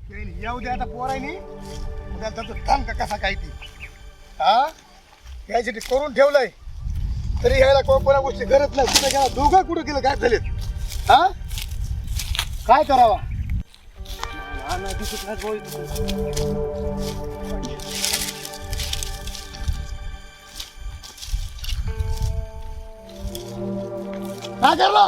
येऊ दे आता पोरायनी त्याचा थांब का कसा काय ती हा यायसाठी करून ठेवलंय तरी यायला कोणा गोष्टी गरज नाही कुठे गेला दोघं कुठं गेलं काय झालेत हा काय करावा काय करला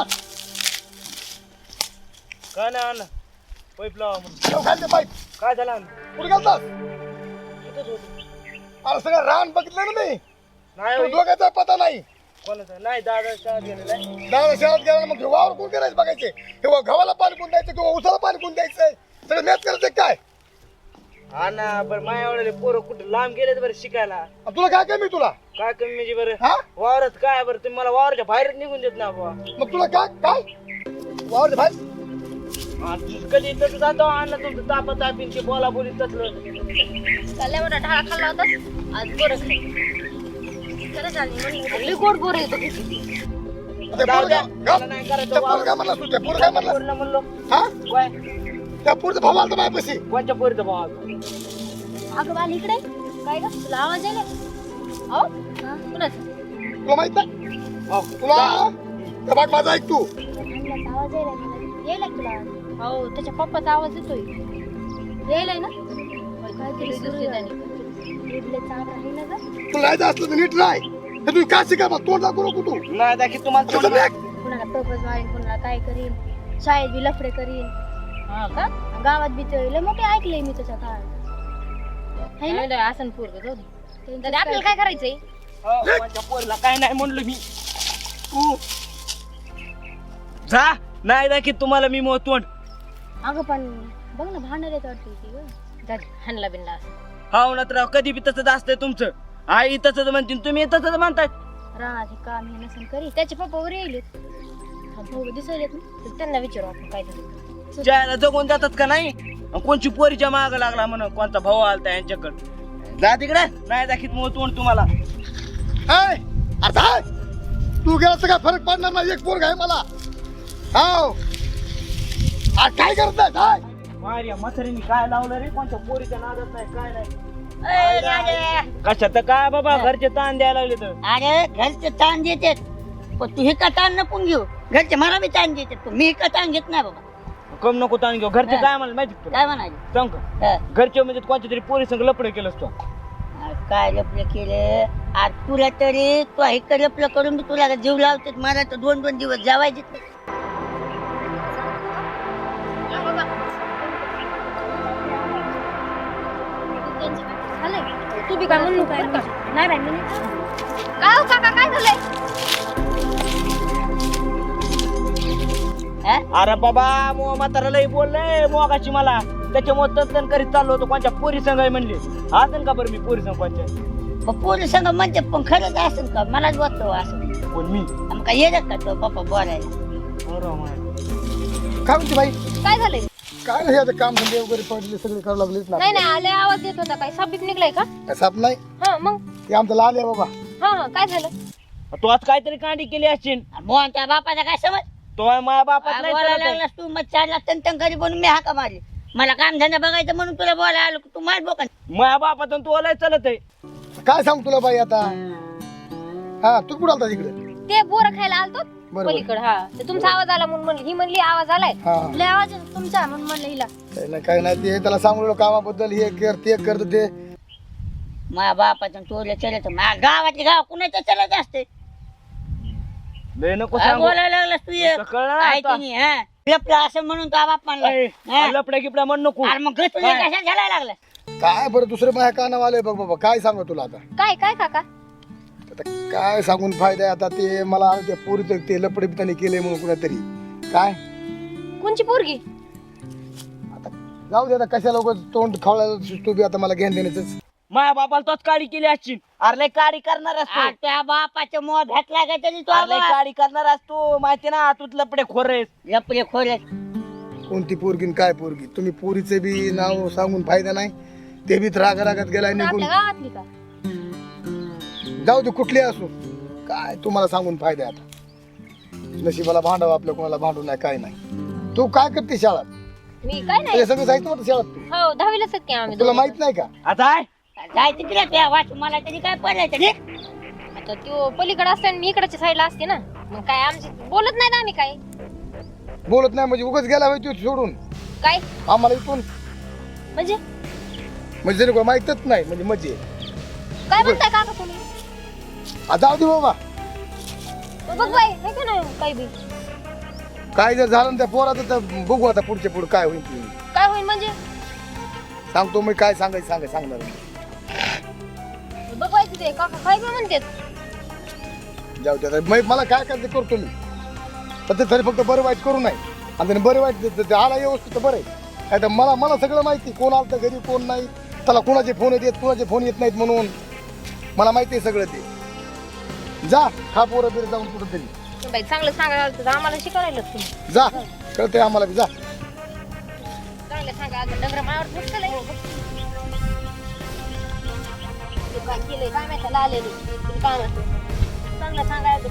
काय नाही आणलं पाईप लावा म्हणून खालचे पाईप काय झालं आणलं कुठे गेलतास इथंच होतं अरे सगळं रान बघितलं ना मी नाही तो होय. दोघांचा पता नाही कोणाचं नाही दादा शाळेत गेलेला आहे. दादा शहरात गेला ना मग वावर कोण करायचं बघायचे किंवा गव्हाला पाणी कोण द्यायचं किंवा उसाला पाणी कोण द्यायचंय सगळं मॅच करायचं काय हा ना बरं माझ्या एवढे पोरं कुठं लांब गेलेत बरं शिकायला तुला काय कमी तुला काय कमी म्हणजे बरं हा वावरात काय बरं तुम्ही मला वावराच्या बाहेर निघून देत ना बुवा मग तुला काय काय वावर भाई कधी तसं जातो आणलं तुमचं तापा तापीन ते बोला बोली तसलं लय मोठा ढाळा खाल्ला होता आज बोरच नाही खरं झालं लय गोड बोर येतो जाऊ द्या. मला नाही करायचं काय म्हणला तू त्या पोरं काय म्हणला पोरीला म्हणलो हा काय त्या पोरचा भाऊ आलता माझ्यापाशी कोणच्या पोरीचा भाव अगं बाल इकडे काय ग तुला आवाज यायला अहो कुणाचा तुला माहित नाही तुला त्या बाग माझा ऐक तू आणलाच आवाज यायला तुला आवाज हो त्याच्या पप्पाचा आवाज येतोय यायलाय ना काहीतरी सुरू आहे इडले चाट आहे ना ग तुला जायचं असलं तर नीट राह हे तुम्ही काय शिका मग तोंड दाखवू नको तू नाही दाखी तुम्हाला कसं तोंड- बॅग कुणाला प्रपोज मारेन कुणाला काय करीन शाळेत बी लफडे करीन हा का गावात बी ते लय मोठे ऐकलंय मी त्याच्या काळात है ना आसन पूर्व आपल्याला काय करायचंय हो, कोणच्या पोरीला काय नाही म्हणलो मी तू जा नाही दाखी तुम्हाला मी मग तोंड अगं पण बघ ना भांडण येत वाटते ती ग हाणला बिनला असं हाव ना तर कधी बी तसंच असतंय तुमचं आई तसंच म्हणतील तुम्ही तसंच म्हणताय रानात हे काम हे नसन करी त्याचे पप्पा वर येईलेत भाऊ दिसायलेत ना तर त्यांना विचारू आपण काय झालं ज्याला जगून जातात का नाही अन कोणची पोरीच्या माग लागला म्हणून कोणता भाऊ आलता यांच्याकडे जा तिकडे नाही दाखीत मग तोंड तुम्हाला हाय अरे हाय तू गेला तर काय फरक पडणार नाही एक पोरग आहे मला हाव काय करत आहे हाय मारिया म्हातारीने काय लावलं रे कोणत्या पोरीच्या नादात नाही काय नाही कशात काय बाबा घरचे ताण द्यायला लागले तर अरे घरचे ताण देतात पण तू हे का ताण नको घेऊ घरचे मला बी ताण देतात पण मी का ताण घेत नाही बाबा कम नको ताण घेऊ घरचे काय मला माहिती तुला काय म्हणाले सांग का घरचे म्हणजे कोणत्या तरी पोरी संग लपडे केलंस तू काय लपलं केलं आज तुला तरी तू हे लपलं करून बी तुला जीव लावतात मला तर 2-2 दिवस जेवायचे झालंय तू बी काय म्हणू काय नाही बाई मी काय हो काका काय झालंय अरे बाबा मो म्हातारा लई बोललंय मोगाची मला त्याच्यामुळे तंतन करीत चाललो होतो कोणच्या पोरी संग आहे म्हणले असेल का बरं मी पोरी संग कोणच्या पोरी संग म्हणते पण खरंच असेल का मलाच वाटतं असं कोण मी मग काय येतात का तो पप्पा बोलायला काय म्हणते बाई काय झालंय काय नाही आता काम धंदे वगैरे पडले सगळे करावं लागलेच ना नाही नाही आले आवाज येत होता काय साप निघलाय का साप नाही हा मग हे आमचं लाल आहे बाबा हा काय झालं तू आज काहीतरी कांडी केली असशील मोहन त्या बापाचा काय समज तो माझ्या बापात नाही बोलायला चालत आहे. लागलास तू मग 4 लाख तन घरी बनून मी हाका मारली मला काम धंदा बघायचं म्हणून तुला बोलायला आलो तू मार बोका माझ्या बापात तू ओलाय चालत आहे काय सांग तुला बाई आता हा तू कुठं आलता तिकडे ते बोर खायला आलतो बरोबर. पलीकडे हा ते तुमचा आवाज आला म्हणून म्हणली ही म्हणली आवाज आलाय हा लय आवाज येतो तुमचा म्हणून म्हणलं हिला काही नाही ते त्याला सांगलो कामाबद्दल हे कर ते करत ते माझ्या बापाचं चोरलं चलत गावातले गाव कुणाचं चलत असते लय नको सांगू बोलायला लागलास तू तुला कळलं ना काय आता? तिने हा लपलं असं म्हणून तो बाप म्हणला लपड्या गिपड्या म्हण नको अरे मग तुझ्या कशा झाला लागला काय बरं दुसरं माझ्या कानावर आलंय बघ बाबा काय सांगू तुला आता काय काय काका आता काय सांगून फायदा आहे आता ते मला त्या पोरीचं ते लपडे पिताने केले म्हणून कुणातरी काय कोणची पोरगी आता जाऊ दे आता कशाला लोक तोंड खावला तू बी आता मला घेण देण्याच माझ्या बापाला तोच काडी केली असशील अरे लय काडी करणार असतो आ, त्या बापाचं मोह भेटला का तरी तो लय काडी करणार असतो माहिती ना तू लपडे खोरेस लपले खोले कोणती पोरगी न काय पोरगी तुम्ही पोरीचे बी नाव सांगून फायदा नाही ते बी रागात गेलाय निघून आपल्या गावातली का जाऊ दे कुठली असो काय तुम्हाला सांगून फायदा आहे आता नशिबाला भांडावं आपल्या कोणाला भांडू नाही काय नाही तू काय करते शाळेत मी काय नाही त्याच्या सगळं जायचं होतं शाळेत तू. हो 10वीलाच आहेत की आम्ही तुला दोघं. माहित नाही का आता आहे जायचं तिला त्या वाच मला तरी काय पडायचं रे. आता तो पलीकडे असते आणि मी इकडच्या साईडला असते ना मग काय आमची बोलत नाही ना आम्ही काय बोलत नाही म्हणजे उगाच गेला होय तू सोडून काय आम्हाला इथून म्हणजे म्हणजे जरी कोणी माहितच नाही म्हणजे मजे काय म्हणताय काका तुम्ही जाऊ दे बाबा बघ बाई हे का नाही काही बी काय जर झालं ना त्या पोराचं तर बघू आता पुढच्या पुढे काय होईल ते. काय होईल म्हणजे सांगतो मी काय सांगायचं सांगणार बघ बाई तिथे काका काय बी म्हणतात जाऊ दे आता. मला काय करायचं करतो मी पण ते तरी फक्त बरं वाईट करू नये आणि त्याने बरं वाईट ते आला व्यवस्थित तर बरं आहे काय तर मला सगळं माहिती कोण आलं तर घरी कोण नाही त्याला कोणाचे फोन येत कुणाचे फोन येत नाहीत म्हणून मला माहिती आहे सगळं ते जा खा पोरं बिरं जाऊन कुठं तरी बाई चांगलं सांगायला आलं तर आम्हाला शिकवायला तुम्ही जा कळतंय आम्हाला बी जा चांगलं सांगा आता डंगर मायावर फुटलंय काय केलंय काय माहिती आलेली काय म्हणतो चांगलं सांगायचं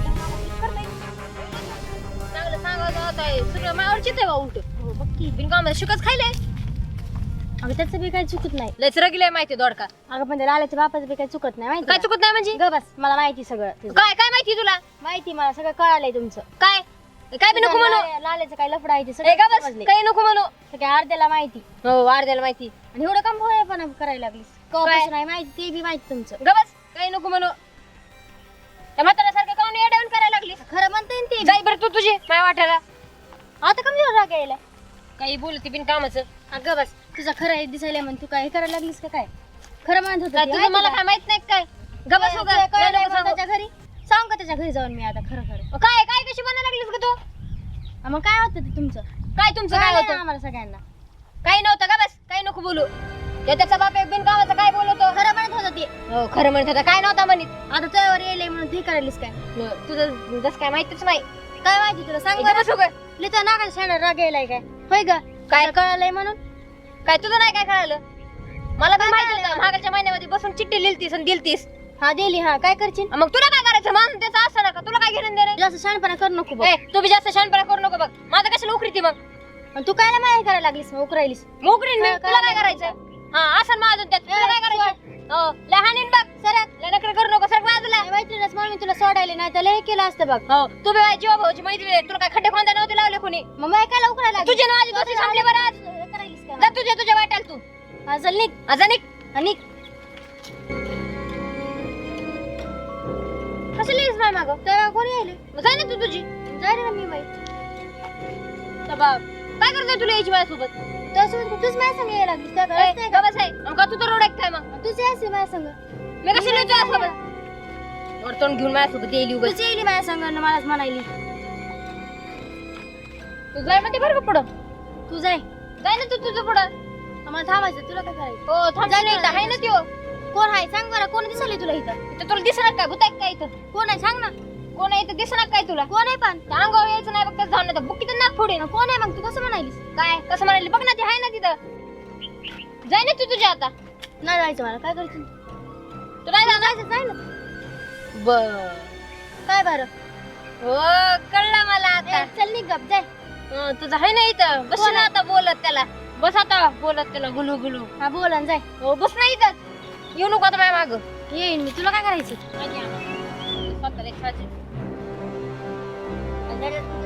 चांगलं सांगायचं आता सगळं मायावर चित आहे बा उलट बघ बिनकामाला शिकच खायलंय अगं त्याचं बी काही चुकत नाही लयच रगिलंय माहिती दोडका अगं पण त्या लाल्याच्या बापाचं बी काही चुकत नाही माहिती काय चुकत नाही म्हणजे ग बस मला माहिती सगळं तुझं. काय काय माहिती तुला माहिती मला सगळं कळालंय तुमचं काय काय बी नको म्हणू लाल्याचं काय लफडा आहे ते ए सगळं का बस समजलंय. काही नको म्हणू सगळ्या अर्ध्याला माहिती हो वाढद्याला माहिती आणि एवढं काम होय पण करायला लागलीस कवापासून आहे माहिती ते बी माहिती तुमचं गबस काही नको म्हणू त्या म्हाताऱ्यासारखं काऊन येड्यावून करायला लागलीस खरं म्हणता येईल ते जाई बरं तू तुझी माझ्या वाट्याला आता कमी राग यायला काही बोलती बिन कामाचं अगं बस तुझं खरं आहे दिसायला म्हणून तू काय करायला लागलीस का काय खरं म्हणत होतं काय ते, तुझं माहिती मला का? काय माहित नाही काय गबस हो तुला गं, कळलंय नको मग सांगू. त्याच्या घरी सांग का त्याच्या घरी जाऊन मी आता खरं खरं काय काय कशी बनायला लागलीस ग तू मग काय होतं ते तुमचं काय तुमचं काय कळलंय होतं आम्हाला सगळ्यांना काही नव्हतं का बस काही नको बोलू त्याचा बाप एक बिन कामाचं काय बोलतो खरं म्हणत होतं ते हो खरं म्हणत होता काय नव्हता म्हणत आता तुझ्यावर येईल म्हणून ते करायलीस काय तुझं जसं काय माहितीच नाही काय माहिती तुला सांग बरं गबस हो गं. लिहितो नाका शाळा राग यायलाय काय होय ग काय? तुला कळलंय म्हणून काय तुझं नाही काय कळालं मला पण माहिती होतं मागाच्या महिन्यामध्ये बसून चिठ्ठी लिहिलतीस आणि दिलतीस हा दिली हा काय करशील मग तुला काय करायचं मान त्याचं असं नका तुला काय घेणं देणं जास्त शहाणपणा करू नको बघ ए, तू बी जास्त शहाणपणा करू नको बघ माझं कशाला उकरी ती मग आणि तू कायला माय करायला लागलीस मग उकरायलीस मोकरीन मी काय तुला काय करायचं? करायचं हा असं माझं त्यात तुला काय करायचं हो लहानीन बघ सरक लनकर करू नको सरक बाजूला मैत्रिणीच म्हणून मी तुला सोडायला नाही तर हे केलं असतं बघ हो तू बी माझी जीवा भाऊची मैत्रीण आहे तुला काय खड्डे खोंदा नव्हते लावले कोणी मग माय कायला उकरायला लागलीस? तुझे ना माझी दोस्ती संपले बरं आज हे करायलीस का जा तुझ्या वाटाल तू हा, चल निघ अजा निक आणि कसं लिहिस माय मागं तर कोणी यायले मग जाय ना तू तुझी जाय रे ना मी बाई तर बाप काय करतोय तुला यायची माझ्यासोबत त्यासोबत तूच माझ्या संग यायला लागलीस त्या ए, घरात गबस आहे मग का तू तर रोड आहे काय मग तूच यायची माझ्या संग मी कशी लिहितो यासोबत वरतोंड घेऊन माझ्यासोबत येईल उगाच तूच येईल माझ्या संग आणि मलाच म्हणायली तू जाय म्हणते बरं का पुढं तू जाय जाय ना तू तुझं पुढं आम्हाला थांबायचं तुला काय करायचं हो थांब जाय नाही ना, आहे ना त्यो कोण आहे सांग बरं कोण दिसले तुला इथं इथं तुला दिसणार काय भूत आहे काय इथं कोण आहे सांग ना कोण आहे इथं दिसणार काय तुला कोण आहे पण त्या अंगावर यायचं नाही बघ जाऊन नाही बुक्कीत नाक फोडे ना कोण आहे मग तू कसं म्हणायलीस काय कसं म्हणाली बघ ना ते आहे ना तिथं जाय ना तू तुझ्या आता नाही जायचं मला काय करशील तू नाही जाणार जायचं जाय ना बर काय बरं हो कळलं मला आता ए, चल निघ गप जाय तुझं आहे ना इथं बस कोण ना आहे? आता बोलत त्याला बस आता बोलत त्याला गुलू गुलू हा बोल आणि जाय हो बस ना इथं येऊ नको आता माझ्या माग येईन मी तुला काय करायचं स्वतःला एक साजे. आणि जरा